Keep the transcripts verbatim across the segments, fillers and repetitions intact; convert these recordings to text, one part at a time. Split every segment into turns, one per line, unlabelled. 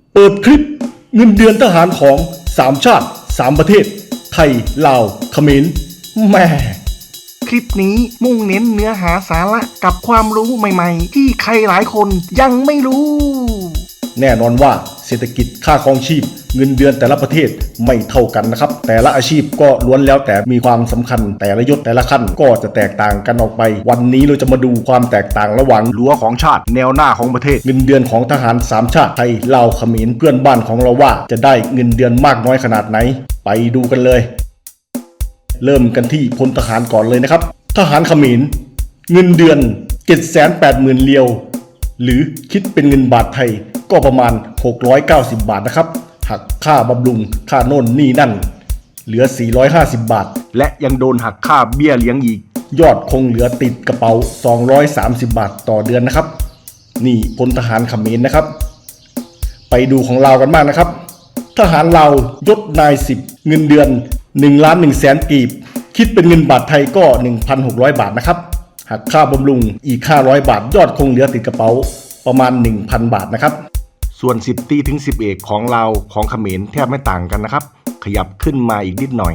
เปิดคลิปเงินเดือนทหารของสามชาติสามประเทศไทยลาวเขมรแม่
คลิปนี้มุ่งเน้นเนื้อหาสาระกับความรู้ใหม่ๆที่ใครหลายคนยังไม่รู้
แน่นอนว่าเศรษฐกิจค่าครองชีพเงินเดือนแต่ละประเทศไม่เท่ากันนะครับแต่ละอาชีพก็ล้วนแล้วแต่มีความสำคัญแต่ละยศแต่ละขั้นก็จะแตกต่างกันออกไปวันนี้เราจะมาดูความแตกต่างระหว่างรั้วของชาติแนวหน้าของประเทศเงินเดือนของทหารสามชาติไทยลาวเขมรเพื่อนบ้านของเราว่าจะได้เงินเดือนมากน้อยขนาดไหนไปดูกันเลยเริ่มกันที่พลทหารก่อนเลยนะครับทหารเขมรเงินเดือน เจ็ดแสนแปดหมื่น เรียวหรือคิดเป็นเงินบาทไทยก็ประมาณหกร้อยเก้าสิบบาทนะครับหักค่าบำรุงค่าโน่นนี่นั่นเหลือสี่ร้อยห้าสิบบาทและยังโดนหักค่าเบี้ยเลี้ยงอีกยอดคงเหลือติดกระเป๋าสองร้อยสามสิบบาทต่อเดือนนะครับนี่พลทหารเขมรนะครับไปดูของลาวกันบ้างนะครับทหารลาวยศนายสิบเงินเดือนหนึ่งล้านหนึ่งแสนกีบคิดเป็นเงินบาทไทยก็ หนึ่งพันหกร้อย บาทนะครับหักค่าบำรุงอีกห้าร้อยบาทยอดคงเหลือติดกระเป๋าประมาณ หนึ่งพัน บาทนะครับส่วนสิบตรีถึงสิบเอกของลาวของเขมรแทบไม่ต่างกันนะครับขยับขึ้นมาอีกนิดหน่อย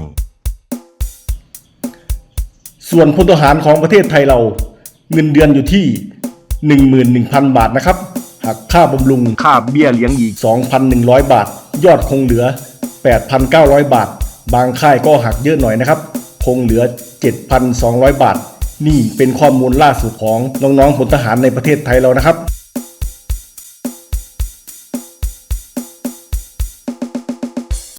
ส่วนพลทหารของประเทศไทยเราเงินเดือนอยู่ที่ หนึ่งหมื่นหนึ่งพัน บาทนะครับหักค่าบำรุงค่าเบี้ยเลี้ยงอีก สองพันหนึ่งร้อย บาทยอดคงเหลือ แปดพันเก้าร้อย บาทบางค่ายก็หักเยอะหน่อยนะครับคงเหลือ เจ็ดพันสองร้อย บาทนี่เป็นข้อมูลล่าสุดของน้องๆพลทหารในประเทศไทยเรานะครับ